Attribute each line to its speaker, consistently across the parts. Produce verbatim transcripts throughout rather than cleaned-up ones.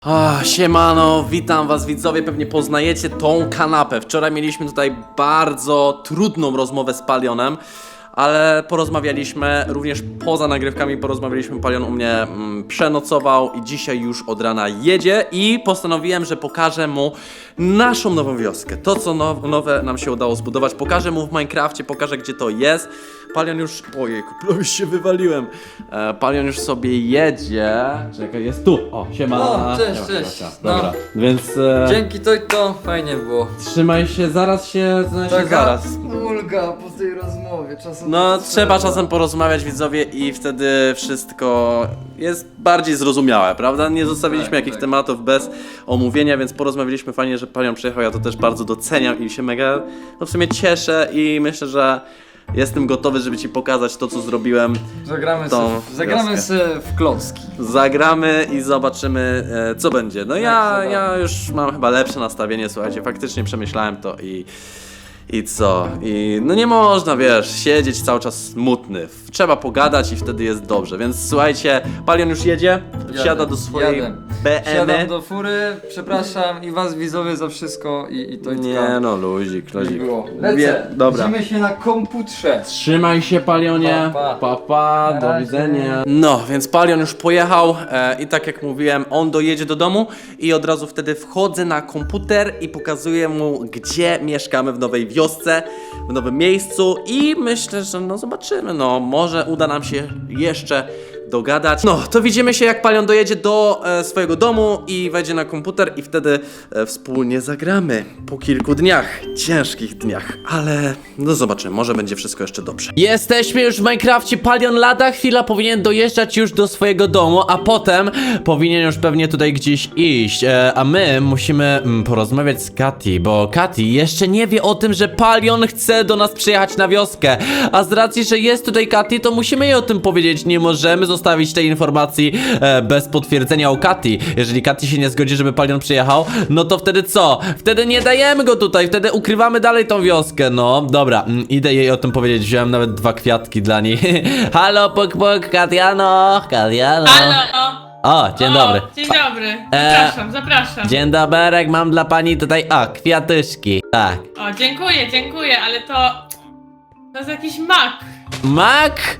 Speaker 1: Ah, siemano, witam was widzowie, pewnie poznajecie tą kanapę. Wczoraj mieliśmy tutaj bardzo trudną rozmowę z Palionem, ale porozmawialiśmy, również poza nagrywkami porozmawialiśmy, Palion u mnie mm, przenocował i dzisiaj już od rana jedzie i postanowiłem, że pokażę mu naszą nową wioskę. To co now, nowe nam się udało zbudować, pokażę mu w Minecrafcie, pokażę gdzie to jest. Palion już, ojej, już się wywaliłem, e, Palion już sobie jedzie. Czekaj, jest tu, o, siema.
Speaker 2: O, cześć,
Speaker 1: Siema,
Speaker 2: cześć.
Speaker 1: siema,
Speaker 2: No.
Speaker 1: dobra, więc e,
Speaker 2: Dzięki to i to fajnie było.
Speaker 1: trzymaj się, zaraz się, znaczy
Speaker 2: Taka
Speaker 1: zaraz.
Speaker 2: ulga po tej rozmowie, czasem
Speaker 1: No
Speaker 2: to
Speaker 1: trzeba czasem porozmawiać widzowie i wtedy wszystko jest bardziej zrozumiałe, prawda? Nie zostawiliśmy
Speaker 2: Tak,
Speaker 1: jakichś
Speaker 2: tak.
Speaker 1: tematów bez omówienia, więc porozmawialiśmy, fajnie, że Palion przyjechał, ja to też bardzo doceniam i się mega, no w sumie cieszę i myślę, że jestem gotowy, żeby ci pokazać to, co zrobiłem.
Speaker 2: Zagramy
Speaker 1: tą
Speaker 2: se, zagramy
Speaker 1: wioskę.
Speaker 2: se w klocki.
Speaker 1: Zagramy i zobaczymy, e, co będzie. No ja,
Speaker 2: zobaczymy.
Speaker 1: ja już mam chyba lepsze nastawienie, słuchajcie, faktycznie przemyślałem to i... I co? I no nie można, wiesz, siedzieć cały czas smutny. Trzeba pogadać i wtedy jest dobrze. Więc słuchajcie, Palion już jedzie, wsiada do swojej
Speaker 2: jadę.
Speaker 1: B M
Speaker 2: Siadam
Speaker 1: y.
Speaker 2: do fury, przepraszam i was widzowie za wszystko i, i to i
Speaker 1: Nie no, luzik,
Speaker 2: nie
Speaker 1: luzik.
Speaker 2: było.
Speaker 1: Mówię-
Speaker 2: Lecę,
Speaker 1: dobra.
Speaker 2: widzimy się na komputrze.
Speaker 1: Trzymaj się, Palionie.
Speaker 2: Pa,
Speaker 1: Pa,
Speaker 2: pa.
Speaker 1: pa,
Speaker 2: Na
Speaker 1: do
Speaker 2: razie.
Speaker 1: widzenia. No, więc Palion już pojechał e, i tak jak mówiłem, on dojedzie do domu i od razu wtedy wchodzę na komputer i pokazuję mu, gdzie mieszkamy w nowej wiosce, w nowym miejscu i myślę, że no zobaczymy, no może uda nam się jeszcze dogadać. No, to widzimy się, jak Palion dojedzie do e, swojego domu i wejdzie na komputer i wtedy e, wspólnie zagramy po kilku dniach, ciężkich dniach, ale no zobaczymy, może będzie wszystko jeszcze dobrze. Jesteśmy już w Minecrafcie, Palion lada chwila powinien dojeżdżać już do swojego domu, a potem powinien już pewnie tutaj gdzieś iść, e, a my musimy mm, porozmawiać z Kati, bo Kati jeszcze nie wie o tym, że Palion chce do nas przyjechać na wioskę, a z racji, że jest tutaj Kati, to musimy jej o tym powiedzieć, nie możemy zostawić tej informacji e, bez potwierdzenia o Kati. Jeżeli Kati się nie zgodzi, żeby Palion przyjechał, no to wtedy co? Wtedy nie dajemy go tutaj, wtedy ukrywamy dalej tą wioskę, no. Dobra, mm, idę jej o tym powiedzieć, wziąłem nawet dwa kwiatki dla niej. Halo, pok, pok, Katiano, Katiano.
Speaker 3: Halo!
Speaker 1: O, dzień dobry.
Speaker 3: O, dzień dobry. Zapraszam, zapraszam.
Speaker 1: Dzień dobry, mam dla pani tutaj, o, kwiatuszki. Tak.
Speaker 3: O, dziękuję, dziękuję, ale to... To jest jakiś mak.
Speaker 1: Mak?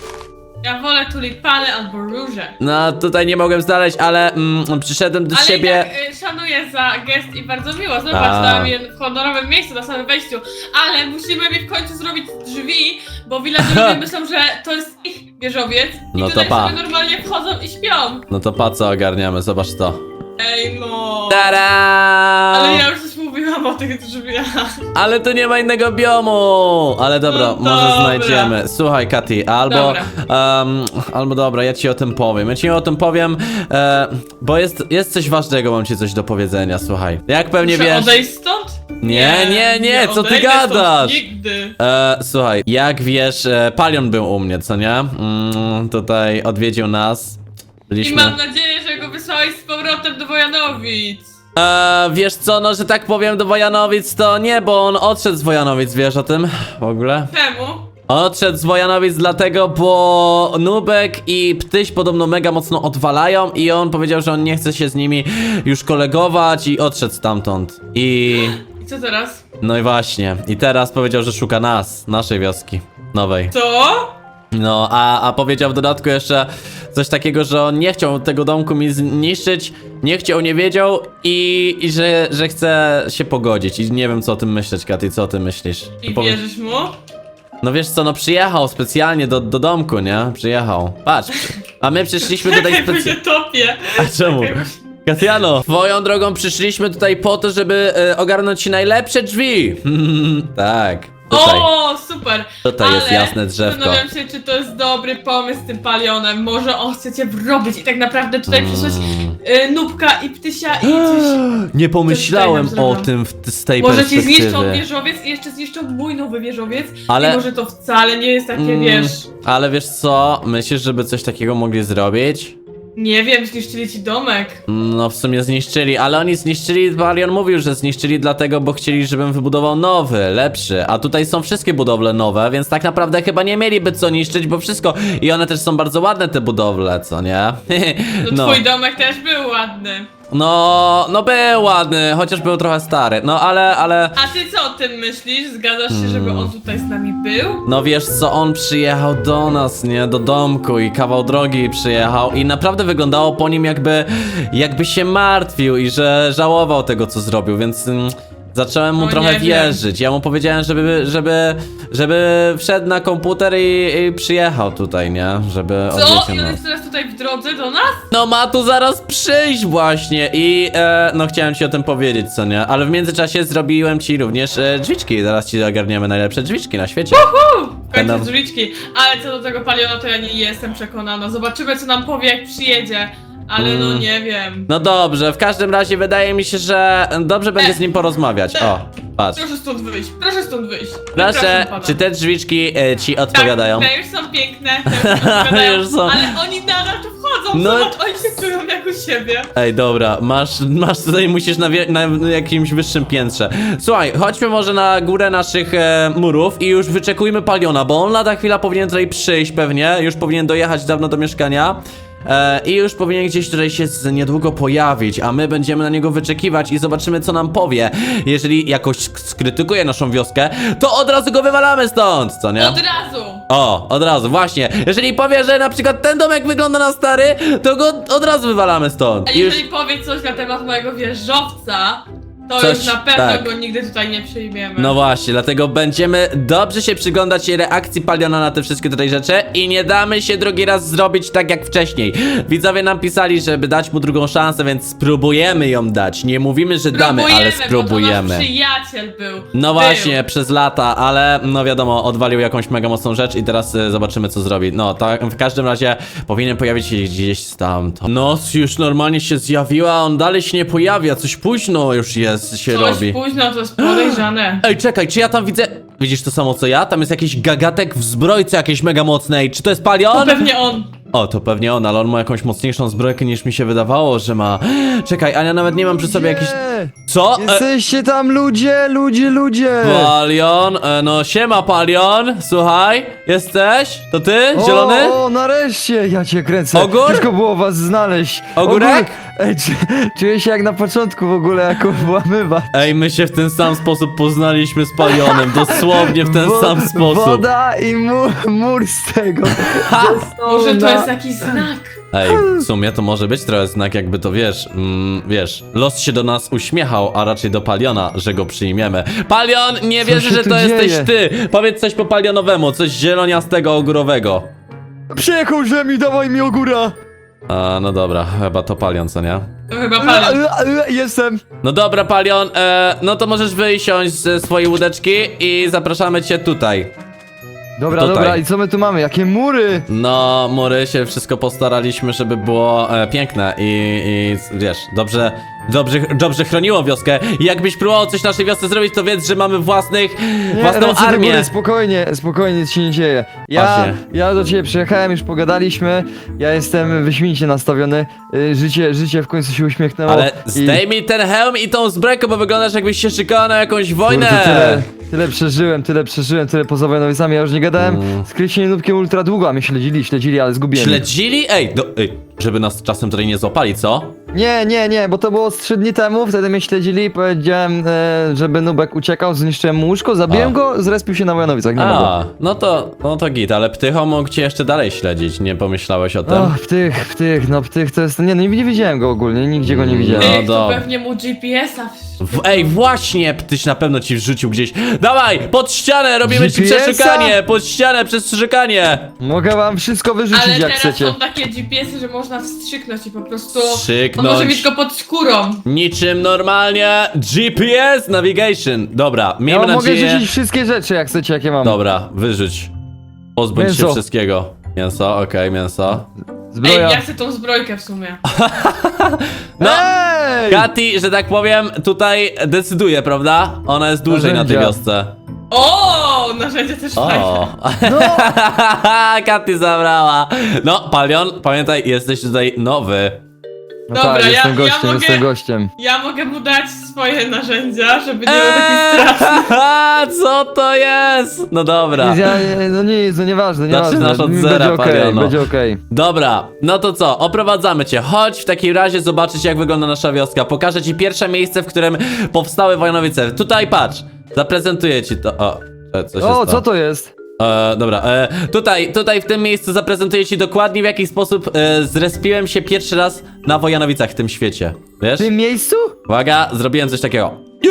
Speaker 3: Ja wolę tulipany albo róże.
Speaker 1: No, tutaj nie mogłem znaleźć, ale mm, przyszedłem do
Speaker 3: Ale
Speaker 1: siebie.
Speaker 3: i tak y, szanuję za gest i bardzo miło. Zobacz,
Speaker 1: A.
Speaker 3: dałam je w honorowym miejscu na samym wejściu. Ale musimy mi w końcu zrobić drzwi, bo villagerowie myślą, że to jest ich wieżowiec. I
Speaker 1: No to
Speaker 3: tutaj
Speaker 1: pa.
Speaker 3: sobie normalnie wchodzą i śpią.
Speaker 1: No to pa co ogarniamy, zobacz to.
Speaker 3: Ej no.
Speaker 1: Tada!
Speaker 3: Ale ja już coś mówiłam o tych drzwiach.
Speaker 1: Ale tu nie ma innego biomu! Ale dobra,
Speaker 3: No
Speaker 1: może
Speaker 3: dobra.
Speaker 1: znajdziemy. Słuchaj, Kati, albo.
Speaker 3: Dobra.
Speaker 1: Um, albo dobra, ja ci o tym powiem. Ja ci o tym powiem, e, bo jest, jest coś ważnego, mam ci coś do powiedzenia, słuchaj. Jak pewnie
Speaker 3: Muszę
Speaker 1: wiesz.
Speaker 3: odejść stąd?
Speaker 1: Nie, nie, nie, co ty
Speaker 3: odejdę stąd
Speaker 1: gadasz?
Speaker 3: Nigdy.
Speaker 1: E, słuchaj, jak wiesz, e, Palion był u mnie, co nie? Mm, tutaj odwiedził nas.
Speaker 3: I
Speaker 1: Byliśmy.
Speaker 3: mam nadzieję, że go wysłałeś z powrotem do Wojanowic.
Speaker 1: E, wiesz co, no, że tak powiem do Wojanowic, to nie, bo on odszedł z Wojanowic, wiesz o tym w ogóle?
Speaker 3: Czemu?
Speaker 1: Odszedł z Wojanowic dlatego, bo Nubek i Ptyś podobno mega mocno odwalają i on powiedział, że on nie chce się z nimi już kolegować i odszedł stamtąd. I...
Speaker 3: I co teraz?
Speaker 1: no i właśnie. I teraz powiedział, że szuka nas, naszej wioski nowej.
Speaker 3: Co?
Speaker 1: No, a, a powiedział w dodatku jeszcze coś takiego, że on nie chciał tego domku mi zniszczyć, nie chciał, nie wiedział i, i że, że chce się pogodzić. I nie wiem, co o tym myśleć, Katy, co o tym myślisz?
Speaker 3: I
Speaker 1: Powiedz-
Speaker 3: wierzysz mu?
Speaker 1: No wiesz co, no przyjechał specjalnie do, do domku, nie? Przyjechał. Patrz, a my przyszliśmy tutaj
Speaker 3: Czekaj, bo się
Speaker 1: specjalnie.
Speaker 3: topię.
Speaker 1: A czemu? Katiano, twoją drogą przyszliśmy tutaj po to, żeby e, ogarnąć ci najlepsze drzwi. Tak. Tutaj.
Speaker 3: O, super.
Speaker 1: Tutaj jest
Speaker 3: Ale
Speaker 1: jasne drzewko.
Speaker 3: zastanawiam się, czy to jest dobry pomysł z tym palionem. Może on chce cię wrobić i tak naprawdę tutaj
Speaker 1: Mm.
Speaker 3: przysłać y, Nubka i Ptysia i coś...
Speaker 1: Nie pomyślałem
Speaker 3: tutaj nam
Speaker 1: o
Speaker 3: zrobią.
Speaker 1: tym w, z tej
Speaker 3: Może ci
Speaker 1: perspektywy.
Speaker 3: zniszczą wieżowiec i jeszcze zniszczą mój nowy wieżowiec.
Speaker 1: Ale-
Speaker 3: I może to wcale nie jest takie,
Speaker 1: Mm,
Speaker 3: wiesz...
Speaker 1: Ale wiesz co? Myślisz, żeby coś takiego mogli zrobić?
Speaker 3: Nie wiem, zniszczyli ci domek.
Speaker 1: No w sumie zniszczyli, ale oni zniszczyli, Palion mówił, że zniszczyli dlatego, bo chcieli, żebym wybudował nowy, lepszy. A tutaj są wszystkie budowle nowe, więc tak naprawdę chyba nie mieliby co niszczyć, bo wszystko... I one też są bardzo ładne te budowle, co nie?
Speaker 3: No, twój domek też był ładny.
Speaker 1: No, no był ładny, chociaż był trochę stary. No ale, ale...
Speaker 3: A ty co o tym myślisz? Zgadzasz się, żeby on tutaj z nami był?
Speaker 1: No wiesz co, on przyjechał do nas, nie? Do domku i kawał drogi przyjechał i naprawdę wyglądało po nim jakby, jakby się martwił i że żałował tego, co zrobił, więc mm, zacząłem mu
Speaker 3: No
Speaker 1: trochę
Speaker 3: nie wiem.
Speaker 1: wierzyć. Ja mu powiedziałem, żeby, żeby, żeby wszedł na komputer i, i przyjechał tutaj, nie? Żeby
Speaker 3: Co?
Speaker 1: odwiedził
Speaker 3: I on
Speaker 1: nas.
Speaker 3: jest teraz tutaj w drodze do nas?
Speaker 1: No ma tu zaraz przyjść właśnie i e, no chciałem ci o tym powiedzieć, co nie? Ale w międzyczasie zrobiłem ci również e, drzwiczki, zaraz ci ogarniemy najlepsze drzwiczki na świecie.
Speaker 3: Uuu, w końcu
Speaker 1: Będą-
Speaker 3: drzwiczki. Ale co do tego Paliona, to ja nie jestem przekonana. Zobaczymy, co nam powie, jak przyjedzie. Ale no
Speaker 1: Mm.
Speaker 3: nie wiem.
Speaker 1: No dobrze, w każdym razie wydaje mi się, że dobrze będzie z nim porozmawiać. O, patrz.
Speaker 3: Proszę stąd wyjść, proszę stąd wyjść.
Speaker 1: Proszę,
Speaker 3: Wypraszam pana.
Speaker 1: czy te drzwiczki e, ci odpowiadają?
Speaker 3: Tak, te już są piękne, te już odpowiadają,
Speaker 1: Już są.
Speaker 3: ale oni nadal tu wchodzą,
Speaker 1: No-
Speaker 3: zobacz, oni się czują jak u siebie.
Speaker 1: Ej, dobra, masz, masz tutaj, musisz na, wie, na jakimś wyższym piętrze. Słuchaj, chodźmy może na górę naszych e, murów i już wyczekujmy Paliona, bo on lada chwila powinien tutaj przyjść pewnie, już powinien dojechać dawno do mieszkania. E, I już powinien gdzieś tutaj się z niedługo pojawić, a my będziemy na niego wyczekiwać i zobaczymy, co nam powie. Jeżeli jakoś sk- skrytykuje naszą wioskę, to od razu go wywalamy stąd, co nie?
Speaker 3: Od razu.
Speaker 1: O, od razu, właśnie. Jeżeli powie, że na przykład ten domek wygląda na stary, to go od razu wywalamy stąd.
Speaker 3: A
Speaker 1: I już...
Speaker 3: jeżeli powie coś na temat mojego wieżowca, to
Speaker 1: Coś-
Speaker 3: już na pewno
Speaker 1: tak.
Speaker 3: go nigdy tutaj nie przyjmiemy.
Speaker 1: No właśnie, dlatego będziemy dobrze się przyglądać reakcji Paliona na te wszystkie tutaj rzeczy i nie damy się drugi raz zrobić tak jak wcześniej. Widzowie nam pisali, żeby dać mu drugą szansę, więc spróbujemy ją dać. Nie mówimy, że damy, ale
Speaker 3: Bo to nasz
Speaker 1: spróbujemy.
Speaker 3: przyjaciel był.
Speaker 1: No
Speaker 3: Był.
Speaker 1: właśnie, przez lata, ale no wiadomo, odwalił jakąś mega mocną rzecz i teraz y, zobaczymy, co zrobi. No, tak, w każdym razie powinien pojawić się gdzieś stamtąd. Noc już normalnie się zjawiła, a on dalej się nie pojawia, coś późno już jest, się
Speaker 3: Coś
Speaker 1: robi.
Speaker 3: późno, to jest podejrzane.
Speaker 1: Ej, czekaj, czy ja tam widzę... Widzisz to samo co ja? Tam jest jakiś gagatek w zbrojce jakiejś mega mocnej. Czy to jest
Speaker 3: To
Speaker 1: Palion?
Speaker 3: pewnie on.
Speaker 1: O, to pewnie on, ale on ma jakąś mocniejszą zbrojkę niż mi się wydawało, że ma. Czekaj, a ja nawet nie mam przy sobie jakiś...
Speaker 2: Nie!
Speaker 1: Co? E,
Speaker 2: Jesteście tam ludzie, ludzie, ludzie!
Speaker 1: Palion? E, no siema Palion, słuchaj, jesteś? To ty? Zielony?
Speaker 2: O, o, nareszcie! Ja cię kręcę.
Speaker 1: Ogór?
Speaker 2: Ciężko było was znaleźć.
Speaker 1: Ogórek?
Speaker 2: Ogór- Ej, czy, czuję się jak na początku w ogóle, jako włamywa.
Speaker 1: Ej, my się w ten sam sposób poznaliśmy z Palionem, dosłownie w ten
Speaker 2: Wo-
Speaker 1: sam sposób.
Speaker 2: Woda i mur, mur z tego.
Speaker 3: Może to
Speaker 2: na-
Speaker 3: jest jakiś znak.
Speaker 1: Ej, w sumie to może być trochę znak, jakby to wiesz, mm, wiesz, los się do nas uśmiechał, a raczej do Paliona, że go przyjmiemy. Palion, nie
Speaker 2: Co
Speaker 1: wierzę,
Speaker 2: się
Speaker 1: że
Speaker 2: tu
Speaker 1: to jesteś
Speaker 2: dzieje?
Speaker 1: ty! Powiedz coś po palionowemu, coś zieloniastego, ogórowego.
Speaker 2: Przyjechał mi, dawaj mi ogóra!
Speaker 1: A, no dobra, chyba to Palion, co nie?
Speaker 3: To chyba Palion.
Speaker 2: Jestem.
Speaker 1: No dobra, Palion, e, no to możesz wysiąść ze swojej łódeczki i zapraszamy cię tutaj.
Speaker 2: Dobra,
Speaker 1: Tutaj.
Speaker 2: dobra, i co my tu mamy? Jakie mury?
Speaker 1: No, mury się wszystko postaraliśmy, żeby było e, piękne i, i wiesz, dobrze, dobrze, dobrze chroniło wioskę. I jakbyś próbował coś naszej wiosce zrobić, to wiedz, że mamy własnych,
Speaker 2: Nie,
Speaker 1: własną
Speaker 2: ręce do
Speaker 1: armię.
Speaker 2: góry, spokojnie, spokojnie, nic się nie dzieje. Ja,
Speaker 1: Właśnie.
Speaker 2: ja do ciebie przyjechałem, już pogadaliśmy, ja jestem wyśmienicie nastawiony, y, życie, życie w końcu się uśmiechnęło.
Speaker 1: Ale
Speaker 2: i-
Speaker 1: zdejmij ten hełm i tą zbrojkę, bo wyglądasz jakbyś się szykował na jakąś wojnę.
Speaker 2: Kurde, tyle, tyle przeżyłem, tyle przeżyłem, tyle poza wojnowicami, ja już nie gadałem z Kryciem Nubkiem ultra długo, a mnie śledzili, śledzili, ale zgubiłem. ich.
Speaker 1: Śledzili? Ej, do, ej, żeby nas czasem tutaj nie złapali, co?
Speaker 2: Nie, nie, nie, bo to było z trzy dni temu, wtedy mnie śledzili, powiedziałem, e, żeby Nubek uciekał, zniszczyłem mu łóżko, zabiłem
Speaker 1: A.
Speaker 2: go, zrespił się na Wojanowicach, nie mogę.
Speaker 1: A, no to, no to git, ale Ptycho mógł cię jeszcze dalej śledzić, nie pomyślałeś o tym?
Speaker 2: Och, ptych, ptych, no ptych to jest, nie, no nie widziałem go ogólnie, nigdzie go nie widziałem.
Speaker 1: No
Speaker 3: Ej, to
Speaker 1: dobra.
Speaker 3: pewnie mu G P S-a w...
Speaker 1: W, ej, właśnie, Ptyś na pewno ci wrzucił gdzieś. Dawaj, pod ścianę, robimy ci
Speaker 2: G P S-a?
Speaker 1: przeszukanie, pod ścianę, przeszukanie.
Speaker 2: Mogę wam wszystko wyrzucić
Speaker 3: Ale
Speaker 2: jak
Speaker 3: teraz
Speaker 2: chcecie.
Speaker 3: są takie G P S-y, że można wstrzyknąć i po prostu...
Speaker 1: Wstrzyknąć.
Speaker 3: On może mieć go pod skórą.
Speaker 1: Niczym normalnie G P S Navigation. Dobra,
Speaker 2: Ja
Speaker 1: miejmy
Speaker 2: wam mogę
Speaker 1: nadzieję...
Speaker 2: rzucić wszystkie rzeczy jak chcecie, jakie mam.
Speaker 1: Dobra, wyrzuć. Pozbądź się
Speaker 2: Mięso.
Speaker 1: wszystkiego. Mięso, okej, mięso.
Speaker 2: Zbroja.
Speaker 3: Ej, ja chcę tą zbrojkę w sumie.
Speaker 1: No,
Speaker 2: Ej!
Speaker 1: Kati, że tak powiem, tutaj decyduje, prawda? Ona jest dłużej na tej
Speaker 2: Narzędzia.
Speaker 1: wiosce.
Speaker 3: O, narzędzie też fajne.
Speaker 1: O,
Speaker 2: No,
Speaker 1: Katy zabrała. No, Palion, pamiętaj, jesteś tutaj nowy.
Speaker 2: No
Speaker 3: Dobra,
Speaker 2: tak,
Speaker 3: ja-
Speaker 2: jestem
Speaker 3: ja
Speaker 2: gościem,
Speaker 3: mogę-
Speaker 2: jestem gościem.
Speaker 3: Ja mogę mu dać swoje narzędzia, żeby nie był taki straszny.
Speaker 1: Eee, co to jest? No dobra.
Speaker 2: Nic, ja, no nic, no nieważne, nieważne.
Speaker 1: Zaczynasz od
Speaker 2: Mi
Speaker 1: zera,
Speaker 2: będzie okej,
Speaker 1: Paliano.
Speaker 2: będzie okej.
Speaker 1: Dobra, no to co, oprowadzamy cię. Chodź w takim razie zobaczyć, jak wygląda nasza wioska. Pokażę ci pierwsze miejsce, w którym powstały Wojanowice. Tutaj patrz, zaprezentuję ci to. O, e, co się
Speaker 2: O,
Speaker 1: stało?
Speaker 2: co to jest?
Speaker 1: E, dobra, e, tutaj, tutaj w tym miejscu zaprezentuję ci dokładnie, w jaki sposób e, zrespiłem się pierwszy raz na Wojanowicach w tym świecie. Wiesz?
Speaker 2: W tym miejscu?
Speaker 1: Uwaga, zrobiłem coś takiego.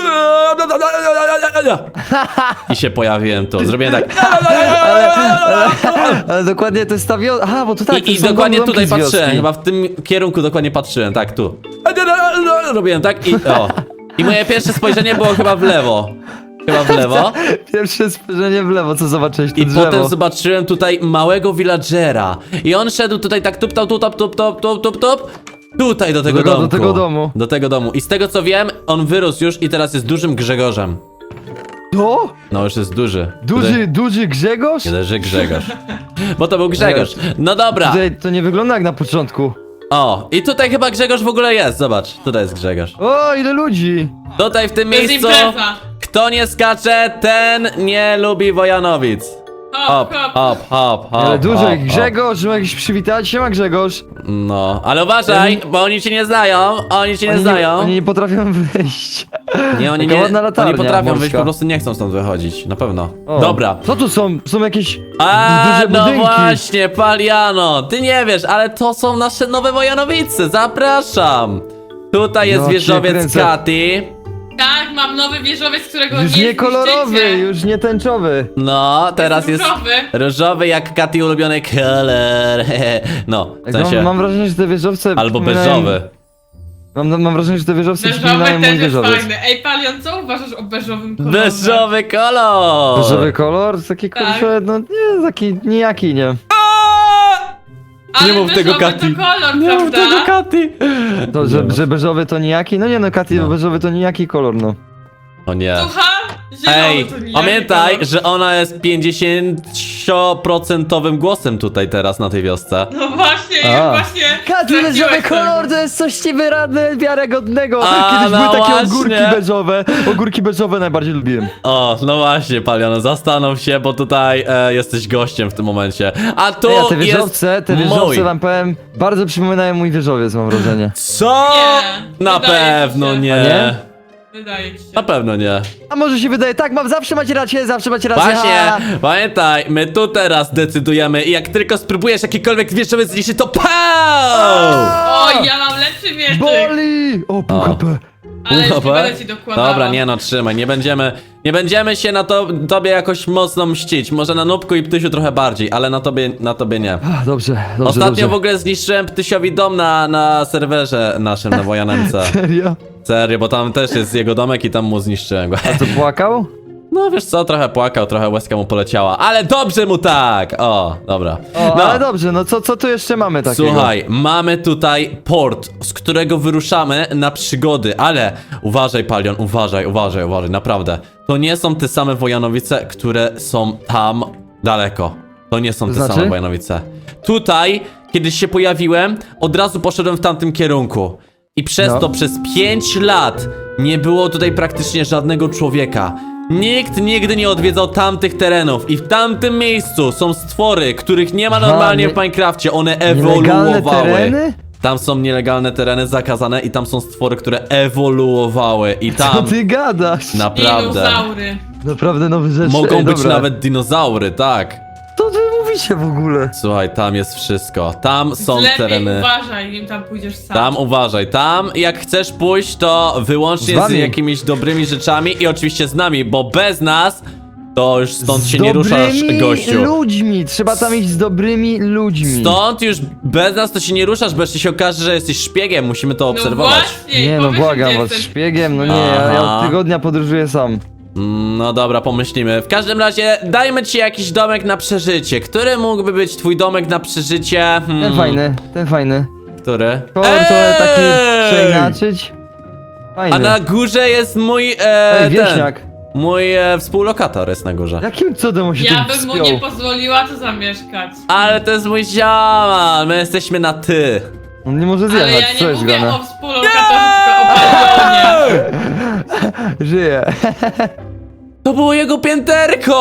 Speaker 1: I się pojawiłem tu. Zrobiłem tak.
Speaker 2: Ale dokładnie to jest ta wio... Aha, bo to tak, to
Speaker 1: I, i
Speaker 2: są
Speaker 1: dokładnie
Speaker 2: domki
Speaker 1: tutaj
Speaker 2: z wioski.
Speaker 1: patrzyłem. Chyba w tym kierunku dokładnie patrzyłem. Tak, tu. Robiłem tak i o. I moje pierwsze spojrzenie było chyba w lewo. Chyba w lewo.
Speaker 2: Pierwsze spojrzenie w lewo, co zobaczyłeś, to
Speaker 1: I
Speaker 2: drzewo.
Speaker 1: potem zobaczyłem tutaj małego villagera. I on szedł tutaj tak tup, tup, tup, tup, tup, tup, tup, tup, tup. Tutaj do tego
Speaker 2: Do tego- do
Speaker 1: domku.
Speaker 2: tego domu.
Speaker 1: Do tego domu. I z tego co wiem, on wyrósł już i teraz jest dużym Grzegorzem.
Speaker 2: To?
Speaker 1: No już jest duży.
Speaker 2: Duży,
Speaker 1: Tutaj
Speaker 2: duży Grzegorz?
Speaker 1: nie leży Grzegorz. Bo to był Grzegorz. No dobra.
Speaker 2: Tutaj to nie wygląda jak na początku.
Speaker 1: O, i tutaj chyba Grzegorz w ogóle jest. Zobacz, tutaj jest Grzegorz.
Speaker 2: O, ile ludzi!
Speaker 1: Tutaj w tym
Speaker 3: To jest
Speaker 1: miejscu,
Speaker 3: impreza.
Speaker 1: kto nie skacze, ten nie lubi Wojanowic.
Speaker 3: Hop,
Speaker 1: Hop,
Speaker 3: hop.
Speaker 1: hop, hop, hop.
Speaker 2: Ale duży,
Speaker 1: hop,
Speaker 2: Grzegorz, ma jakiś przywitać się ma Grzegorz.
Speaker 1: hop. No, ale uważaj, bo oni cię nie znają, oni cię nie
Speaker 2: Oni
Speaker 1: znają.
Speaker 2: oni nie potrafią wyjść.
Speaker 1: Nie, oni
Speaker 2: Taka
Speaker 1: nie,
Speaker 2: ładna latarnia
Speaker 1: oni potrafią
Speaker 2: morska.
Speaker 1: wyjść, po prostu nie chcą stąd wychodzić, na pewno.
Speaker 2: O,
Speaker 1: Dobra.
Speaker 2: Co tu są? Są jakieś
Speaker 1: A,
Speaker 2: duże
Speaker 1: no
Speaker 2: budynki.
Speaker 1: właśnie, Paliano, ty nie wiesz, ale to są nasze nowe Wojanowice, zapraszam. Tutaj jest
Speaker 2: No cię
Speaker 1: wieżowiec
Speaker 2: kręcę.
Speaker 3: Tak,
Speaker 1: Katy.
Speaker 3: mam nowy wieżowiec, którego
Speaker 2: Już
Speaker 3: nie
Speaker 2: nie kolorowy,
Speaker 3: zniszczycie.
Speaker 2: już nie tęczowy.
Speaker 1: No, teraz jest
Speaker 3: różowy.
Speaker 1: różowy jak Katy ulubiony kolor. No, w
Speaker 2: Tak,
Speaker 1: sensie,
Speaker 2: mam, mam wrażenie, że te wieżowce
Speaker 1: albo
Speaker 2: przypominają-
Speaker 1: beżowy.
Speaker 2: Mam, mam wrażenie, że te wieżowce
Speaker 3: Beżowy
Speaker 2: przypominają mój
Speaker 3: też jest
Speaker 2: wieżowiec.
Speaker 3: fajny. Ej, Palion, co uważasz o beżowym kolorze?
Speaker 1: Beżowy kolor!
Speaker 2: Beżowy kolor? Taki
Speaker 3: Tak.
Speaker 2: kurczę, no nie, taki nijaki, nie.
Speaker 3: Ale
Speaker 1: Nie mów tego,
Speaker 3: beżowy
Speaker 1: Katy.
Speaker 3: to kolor,
Speaker 1: Nie mów
Speaker 3: prawda?
Speaker 1: tego Katy!
Speaker 2: To, że, że beżowy to nijaki? No nie no, Katy,
Speaker 1: No.
Speaker 2: beżowy to nijaki kolor, no.
Speaker 1: O nie.
Speaker 3: Słucham? Zielony
Speaker 1: Ej,
Speaker 3: to nijaki
Speaker 1: pamiętaj,
Speaker 3: kolor.
Speaker 1: że ona jest pięćdziesięcioprocentowym głosem tutaj teraz na tej wiosce.
Speaker 3: No właśnie,
Speaker 2: A.
Speaker 3: ja właśnie...
Speaker 2: Katy,
Speaker 3: straciłeś
Speaker 2: beżowy
Speaker 3: tego.
Speaker 2: kolor to jest coś niewyradne, wiarygodnego.
Speaker 1: A,
Speaker 2: Kiedyś
Speaker 1: no
Speaker 2: były takie
Speaker 1: właśnie.
Speaker 2: ogórki beżowe. Ogórki beżowe najbardziej lubiłem.
Speaker 1: O, no właśnie, Paliano, zastanów się, bo tutaj e, jesteś gościem w tym momencie. A tu
Speaker 2: Ej, a te
Speaker 1: jest
Speaker 2: wieżowce, te
Speaker 1: mój.
Speaker 2: wieżowce wam powiem, bardzo przypominają mój wieżowiec, mam wrażenie.
Speaker 1: Co?
Speaker 3: Nie,
Speaker 1: Na
Speaker 3: wydaje ci
Speaker 1: pewno
Speaker 3: się.
Speaker 1: nie.
Speaker 2: A nie?
Speaker 3: Wydaje ci się.
Speaker 1: Na pewno nie.
Speaker 2: A może się wydaje, tak, mam, zawsze macie rację, zawsze macie rację.
Speaker 1: Właśnie,
Speaker 2: ha!
Speaker 1: pamiętaj, my tu teraz decydujemy i jak tylko spróbujesz jakikolwiek wieżowiec zniszczyć, to PAU!
Speaker 3: Oj, ja mam lepszy mieczyk.
Speaker 2: Boli! O, pół
Speaker 1: O.
Speaker 2: H P.
Speaker 3: Ale już nie
Speaker 1: Dobra.
Speaker 3: będę ci dokładała.
Speaker 1: Dobra, nie no, trzymaj, nie będziemy, nie będziemy się na to, tobie jakoś mocno mścić. Może na Nubku i Ptysiu trochę bardziej, ale na tobie, na tobie nie.
Speaker 2: Ach, dobrze, dobrze,
Speaker 1: Ostatnio
Speaker 2: dobrze.
Speaker 1: w ogóle zniszczyłem Ptysiowi dom na, na serwerze naszym, na Wojanemce.
Speaker 2: Serio?
Speaker 1: Serio, bo tam też jest jego domek i tam mu zniszczyłem go.
Speaker 2: Co, płakał?
Speaker 1: No wiesz co, trochę płakał, trochę łezka mu poleciała, ale dobrze mu tak! O, dobra.
Speaker 2: O,
Speaker 1: No.
Speaker 2: ale dobrze, no co, co tu jeszcze mamy takiego?
Speaker 1: Słuchaj, mamy tutaj port, z którego wyruszamy na przygody, ale uważaj, Palion, uważaj, uważaj, uważaj, naprawdę. To nie są te same Wojanowice, które są tam daleko. To nie są te
Speaker 2: Znaczy?
Speaker 1: same Wojanowice. Tutaj, kiedy się pojawiłem, od razu poszedłem w tamtym kierunku. I przez
Speaker 2: No.
Speaker 1: to przez pięć lat nie było tutaj praktycznie żadnego człowieka. Nikt nigdy nie odwiedzał tamtych terenów i w tamtym miejscu są stwory, których nie ma
Speaker 2: Aha,
Speaker 1: normalnie
Speaker 2: nie-
Speaker 1: w Minecrafcie, one
Speaker 2: Nielegalne
Speaker 1: ewoluowały.
Speaker 2: tereny?
Speaker 1: Tam są nielegalne tereny zakazane i tam są stwory, które ewoluowały i
Speaker 2: Co
Speaker 1: tam
Speaker 2: ty gadasz?
Speaker 1: naprawdę
Speaker 3: Dinozaury.
Speaker 2: Naprawdę nowe rzeczy.
Speaker 1: mogą
Speaker 2: Ej,
Speaker 1: być
Speaker 2: dobra.
Speaker 1: nawet dinozaury, tak.
Speaker 2: Co wy mówicie w ogóle?
Speaker 1: Słuchaj, tam jest wszystko. Tam są
Speaker 3: Lepiej
Speaker 1: tereny.
Speaker 3: uważaj, nim tam pójdziesz sam.
Speaker 1: Tam uważaj, tam jak chcesz pójść, to wyłącznie
Speaker 2: Z
Speaker 1: z,
Speaker 2: wami.
Speaker 1: jakimiś dobrymi rzeczami i oczywiście z nami, bo bez nas to już stąd
Speaker 2: Z
Speaker 1: się nie ruszasz,
Speaker 2: dobrymi
Speaker 1: gościu.
Speaker 2: ludźmi, trzeba tam iść z dobrymi ludźmi.
Speaker 1: Stąd już bez nas to się nie ruszasz, bo jeszcze się okaże, że jesteś szpiegiem, musimy to
Speaker 3: No
Speaker 1: obserwować.
Speaker 3: właśnie,
Speaker 2: Nie no,
Speaker 3: powiesz,
Speaker 2: błagam
Speaker 3: gdzie
Speaker 2: was,
Speaker 3: jesteś.
Speaker 2: szpiegiem, no nie, ja, ja
Speaker 1: Aha.
Speaker 2: od tygodnia podróżuję sam.
Speaker 1: Mm, No dobra, pomyślimy. W każdym razie dajmy ci jakiś domek na przeżycie. Który mógłby być twój domek na przeżycie? Hmm,
Speaker 2: Ten fajny, ten fajny.
Speaker 1: Który?
Speaker 2: Kolor to taki
Speaker 1: Ej!
Speaker 2: przeinaczyć. Fajny.
Speaker 1: A na górze jest mój e,
Speaker 2: Ej, wieśniak.
Speaker 1: ten, mój e, współlokator jest na górze.
Speaker 2: Jakim cudem on się
Speaker 3: Ja
Speaker 2: tu
Speaker 3: bym mu
Speaker 2: wspiął?
Speaker 3: nie pozwoliła tu zamieszkać.
Speaker 1: Ale to jest mój ziomal, my jesteśmy na ty.
Speaker 2: On nie może
Speaker 3: Ale
Speaker 2: zjechać,
Speaker 3: ja
Speaker 2: co
Speaker 3: nie
Speaker 2: jest
Speaker 3: mówię
Speaker 2: grane?
Speaker 3: o współlokatorze, tylko o Palionie.
Speaker 2: Żyje.
Speaker 1: To było jego pięterko!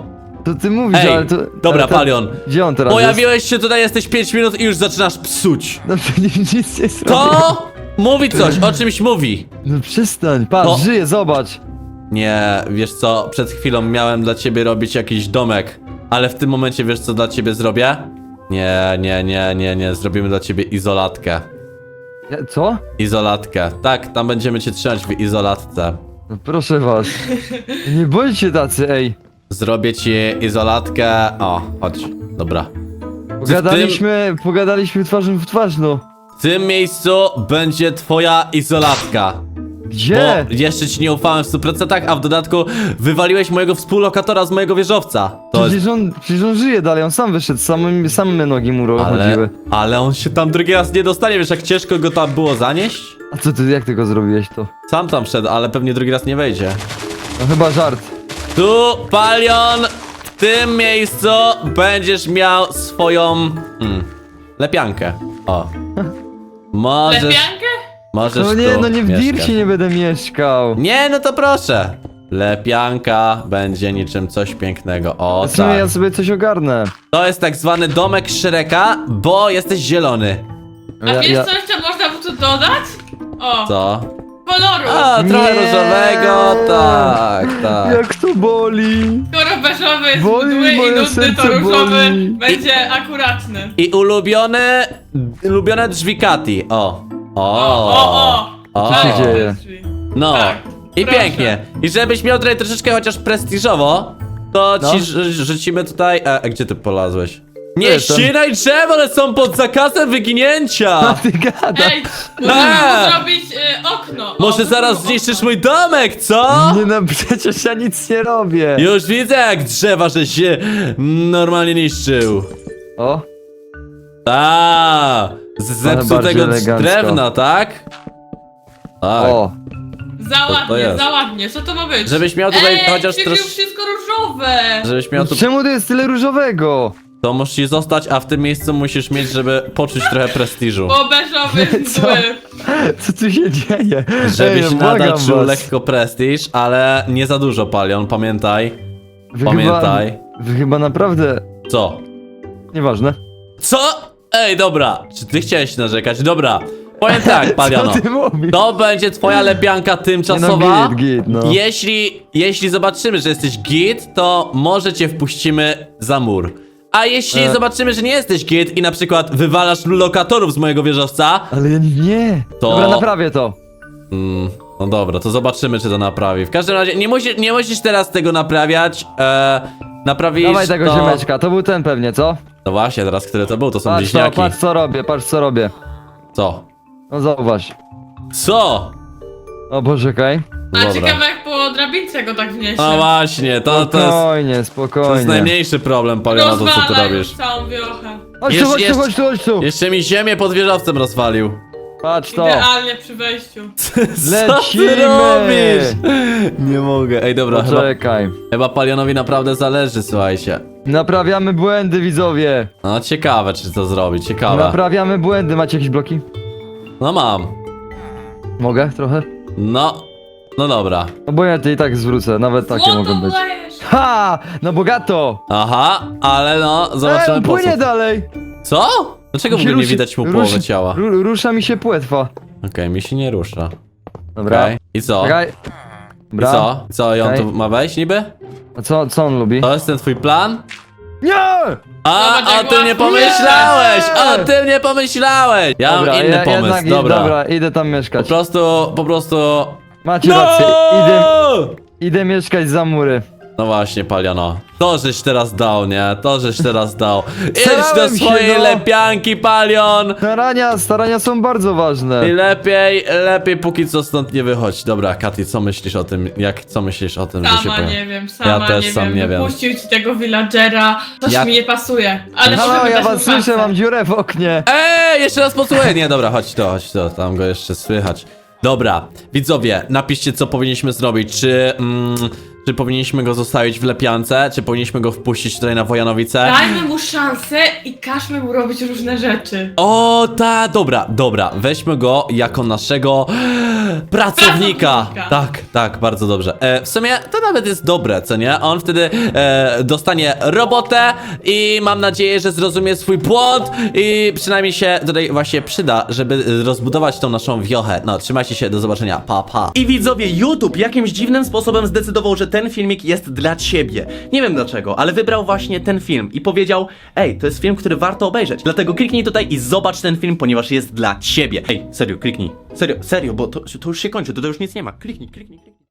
Speaker 2: To ty mówisz,
Speaker 1: Ej,
Speaker 2: ale to...
Speaker 1: dobra,
Speaker 2: ale to,
Speaker 1: Palion.
Speaker 2: Gdzie on teraz
Speaker 1: Pojawiłeś się tutaj, jesteś pięć minut i już zaczynasz psuć.
Speaker 2: jest? No przecież nic nie zrobił.
Speaker 1: To mówi coś, o czymś mówi.
Speaker 2: No przestań, patrz,
Speaker 1: To-
Speaker 2: żyje, zobacz.
Speaker 1: Nie, wiesz co, przed chwilą miałem dla ciebie robić jakiś domek, ale w tym momencie wiesz co dla ciebie zrobię? Nie, nie, nie, nie, nie, zrobimy dla ciebie izolatkę.
Speaker 2: Ja- Co?
Speaker 1: Izolatkę. Tak, tam będziemy cię trzymać w izolatce.
Speaker 2: No proszę was. Nie bądźcie tacy, ej.
Speaker 1: Zrobię ci izolatkę. O, chodź, dobra.
Speaker 2: Pogadaliśmy, pogadaliśmy twarzą w twarz, no.
Speaker 1: W tym miejscu będzie twoja izolatka.
Speaker 2: Gdzie?
Speaker 1: Bo jeszcze ci nie ufałem w stu procentach, a w dodatku wywaliłeś mojego współlokatora z mojego wieżowca. To
Speaker 2: Przecież
Speaker 1: jest...
Speaker 2: on, przecież on żyje dalej, on sam wyszedł, same, same nogi mu
Speaker 1: Ale,
Speaker 2: chodziły.
Speaker 1: ale on się tam drugi raz nie dostanie, wiesz jak ciężko go tam było zanieść?
Speaker 2: A co ty, jak ty go zrobiłeś to?
Speaker 1: Sam tam wszedł, ale pewnie drugi raz nie wejdzie.
Speaker 2: No chyba żart.
Speaker 1: Tu, Palion, w tym miejscu będziesz miał swoją... Hmm, lepiankę. O. Możesz...
Speaker 3: Lepiankę?
Speaker 1: Możesz
Speaker 2: No nie,
Speaker 1: tu
Speaker 2: no nie w
Speaker 1: mieszkać.
Speaker 2: Dircie nie będę mieszkał.
Speaker 1: Nie, no to proszę. Lepianka będzie niczym coś pięknego. O,
Speaker 2: W sumie
Speaker 1: tak.
Speaker 2: ja sobie coś ogarnę.
Speaker 1: To jest tak zwany domek Shreka, bo jesteś zielony.
Speaker 3: A
Speaker 2: Ja-
Speaker 3: wiesz
Speaker 2: ja-
Speaker 3: co jeszcze można by tu dodać? O,
Speaker 1: Co?
Speaker 3: koloru.
Speaker 1: A, trochę
Speaker 2: Nie.
Speaker 1: różowego, tak, tak.
Speaker 2: Jak to boli!
Speaker 3: Skoro beżowy jest
Speaker 2: Boli,
Speaker 3: mdły i
Speaker 2: moje
Speaker 3: nudny, to
Speaker 2: serce
Speaker 3: różowy
Speaker 2: boli.
Speaker 3: będzie akuratny.
Speaker 1: I ulubione, ulubione drzwi Kati. O. O.
Speaker 3: O, o, o.
Speaker 1: O.
Speaker 2: Co się
Speaker 3: Tak,
Speaker 2: dzieje?
Speaker 3: drzwi.
Speaker 1: No.
Speaker 3: Tak,
Speaker 1: I
Speaker 3: proszę.
Speaker 1: pięknie. I żebyś miał tutaj troszeczkę chociaż prestiżowo, to
Speaker 2: No.
Speaker 1: ci ż- rzucimy tutaj... E, a gdzie ty polazłeś? Nie
Speaker 2: jestem.
Speaker 1: ścinaj drzew, one są pod zakazem
Speaker 2: A
Speaker 1: wyginięcia!
Speaker 2: ty gada!
Speaker 3: Ej, możemy
Speaker 1: A.
Speaker 3: mu zrobić y, okno.
Speaker 1: Może
Speaker 3: O,
Speaker 1: zaraz
Speaker 3: okno.
Speaker 1: zniszczysz mój domek, co?
Speaker 2: Nie no, przecież ja nic nie robię!
Speaker 1: Już widzę jak drzewa, że się normalnie niszczył.
Speaker 2: O,
Speaker 1: Ta, z zepsutego
Speaker 2: bardziej elegancko.
Speaker 1: drewna, tak? Tak.
Speaker 2: o!
Speaker 3: Za
Speaker 1: to
Speaker 3: ładnie,
Speaker 1: jest.
Speaker 3: za ładnie, co to ma być?
Speaker 1: Żebyś miał tutaj
Speaker 3: Ej,
Speaker 1: chociaż
Speaker 3: przecież
Speaker 1: trosz...
Speaker 3: wszystko różowe.
Speaker 1: Żebyś miał tu...
Speaker 2: Czemu tu jest tyle różowego?
Speaker 1: To musi zostać, a w tym miejscu musisz mieć, żeby poczuć trochę prestiżu.
Speaker 3: Bo beżowy jest
Speaker 2: Co?
Speaker 3: mdły.
Speaker 2: Co tu się dzieje?
Speaker 1: Żebyś
Speaker 2: Ej,
Speaker 1: nadal
Speaker 2: błagam
Speaker 1: czuł
Speaker 2: was.
Speaker 1: lekko prestiż, ale nie za dużo, Palion, pamiętaj.
Speaker 2: Wy
Speaker 1: Pamiętaj.
Speaker 2: Chyba, wy chyba naprawdę...
Speaker 1: Co?
Speaker 2: Nieważne.
Speaker 1: Co? Ej, dobra, czy ty chciałeś narzekać? Dobra, powiem tak, Paliono.
Speaker 2: Co ty mówisz?
Speaker 1: To będzie twoja lepianka tymczasowa.
Speaker 2: Nie no, git, git, no.
Speaker 1: Jeśli, jeśli zobaczymy, że jesteś git, to może cię wpuścimy za mur. A jeśli
Speaker 2: E.
Speaker 1: zobaczymy, że nie jesteś git i na przykład wywalasz lokatorów z mojego wieżowca,
Speaker 2: Ale ja nie!
Speaker 1: To-
Speaker 2: Dobra, naprawię to.
Speaker 1: mm, no dobra, to zobaczymy, czy to naprawi. W każdym razie nie, musi, nie musisz teraz tego naprawiać. E, naprawisz
Speaker 2: Dawaj tego
Speaker 1: to...
Speaker 2: ziomeczka, to był ten pewnie, co?
Speaker 1: No właśnie, teraz który to był? To są
Speaker 2: Patrz to,
Speaker 1: bliźniaki.
Speaker 2: patrz co robię, patrz co robię.
Speaker 1: Co?
Speaker 2: No zauważ.
Speaker 1: Co?
Speaker 2: O Boże, okej.
Speaker 3: A
Speaker 1: Dobra.
Speaker 3: ciekawe jak po drabince go tak wniesie.
Speaker 1: No właśnie, to, to jest...
Speaker 2: Spokojnie,
Speaker 1: To jest
Speaker 2: spokojnie.
Speaker 1: najmniejszy problem, Paliona, to co ty
Speaker 3: Rozwala
Speaker 1: robisz.
Speaker 3: już całą wiochę.
Speaker 2: Chodź tu,
Speaker 1: Jeszcze-
Speaker 2: chodź tu,
Speaker 1: jeszcze-
Speaker 2: chodź tu, chodź tu!
Speaker 1: Jeszcze mi ziemię pod wieżowcem rozwalił.
Speaker 2: Patrz to!
Speaker 3: Idealnie przy wejściu.
Speaker 1: Co
Speaker 2: Lecimy!
Speaker 1: ty robisz? Nie mogę. Ej, dobra, chyba,
Speaker 2: Poczekaj.
Speaker 1: chyba Palionowi naprawdę zależy, słuchajcie.
Speaker 2: Naprawiamy błędy, widzowie!
Speaker 1: No ciekawe, czy to zrobić, ciekawe.
Speaker 2: Naprawiamy błędy. Macie jakieś bloki?
Speaker 1: No mam.
Speaker 2: Mogę trochę?
Speaker 1: No, no dobra.
Speaker 2: No bo ja ty i tak zwrócę, nawet takie
Speaker 3: Złoto
Speaker 2: mogą być.
Speaker 3: dajesz.
Speaker 2: Ha! No bogato!
Speaker 1: Aha, ale no, zobaczymy
Speaker 2: Ej,
Speaker 1: po
Speaker 2: płynie
Speaker 1: co.
Speaker 2: dalej!
Speaker 1: Co? Dlaczego w
Speaker 2: Mi się
Speaker 1: ogóle nie
Speaker 2: ruszy-
Speaker 1: widać mu
Speaker 2: ruszy-
Speaker 1: połowy ciała? Okej,
Speaker 2: Ru, rusza mi się płetwa.
Speaker 1: mi się nie rusza.
Speaker 2: Dobra.
Speaker 1: Okej. I co?
Speaker 2: Czekaj.
Speaker 1: I
Speaker 2: Dobra.
Speaker 1: co? I co, i on
Speaker 2: Okej.
Speaker 1: tu ma wejść niby?
Speaker 2: A co, co on lubi?
Speaker 1: To jest ten twój plan?
Speaker 2: Nie!
Speaker 1: A,
Speaker 3: Zobacz, jak
Speaker 1: o tym nie
Speaker 3: łatwo.
Speaker 1: pomyślałeś!
Speaker 2: Nie!
Speaker 1: O tym nie pomyślałeś! Ja
Speaker 2: Dobra,
Speaker 1: mam inny
Speaker 2: ja,
Speaker 1: pomysł,
Speaker 2: jednak,
Speaker 1: dobra.
Speaker 2: Dobra, idę tam
Speaker 1: Po
Speaker 2: mieszkać.
Speaker 1: prostu, po prostu...
Speaker 2: Macie rację, idę, idę mieszkać za mury.
Speaker 1: No właśnie, Paliano. To żeś teraz dał, nie? To żeś teraz dał. Idź do
Speaker 2: Starałem się,
Speaker 1: swojej
Speaker 2: no.
Speaker 1: lepianki, Palion!
Speaker 2: Starania, starania są bardzo ważne.
Speaker 1: I lepiej, lepiej póki co stąd nie wychodź. Dobra, Katy, co myślisz o tym? Jak, co myślisz o tym, że się
Speaker 3: Sama
Speaker 1: pojawi?
Speaker 3: nie wiem, sama
Speaker 1: też
Speaker 3: nie
Speaker 1: sam
Speaker 3: wiem.
Speaker 1: nie wiem.
Speaker 3: Wypuścił ci tego villagera. Coś
Speaker 1: Ja-
Speaker 3: mi nie pasuje. Ale
Speaker 2: Halo,
Speaker 3: możemy
Speaker 2: ja
Speaker 3: dać
Speaker 2: was
Speaker 3: mu
Speaker 2: słyszę,
Speaker 3: szansę.
Speaker 2: mam dziurę w oknie.
Speaker 1: Ej, jeszcze raz posłuchaj. Nie, dobra, chodź to, chodź to, tam go jeszcze słychać. Dobra, widzowie, napiszcie, co powinniśmy zrobić. Czy, mm, Czy powinniśmy go zostawić w lepiance, czy powinniśmy go wpuścić tutaj na Wojanowicę?
Speaker 3: Dajmy mu szansę i każmy mu robić różne rzeczy.
Speaker 1: O, ta, dobra, dobra, weźmy go jako naszego pracownika.
Speaker 3: Pracownika.
Speaker 1: Tak, tak, bardzo dobrze. E, w sumie to nawet jest dobre, co nie? On wtedy e, dostanie robotę i mam nadzieję, że zrozumie swój błąd i przynajmniej się tutaj właśnie przyda, żeby rozbudować tą naszą wiochę. No, trzymajcie się, do zobaczenia, pa, pa. I widzowie, YouTube jakimś dziwnym sposobem zdecydował, że ten filmik jest dla ciebie. Nie wiem dlaczego, ale wybrał właśnie ten film i powiedział: ej, to jest film, który warto obejrzeć. Dlatego kliknij tutaj i zobacz ten film, ponieważ jest dla ciebie. Ej, serio, kliknij. Serio, serio, bo to, to już się kończy, to, to już nic nie ma. Kliknij, kliknij, kliknij.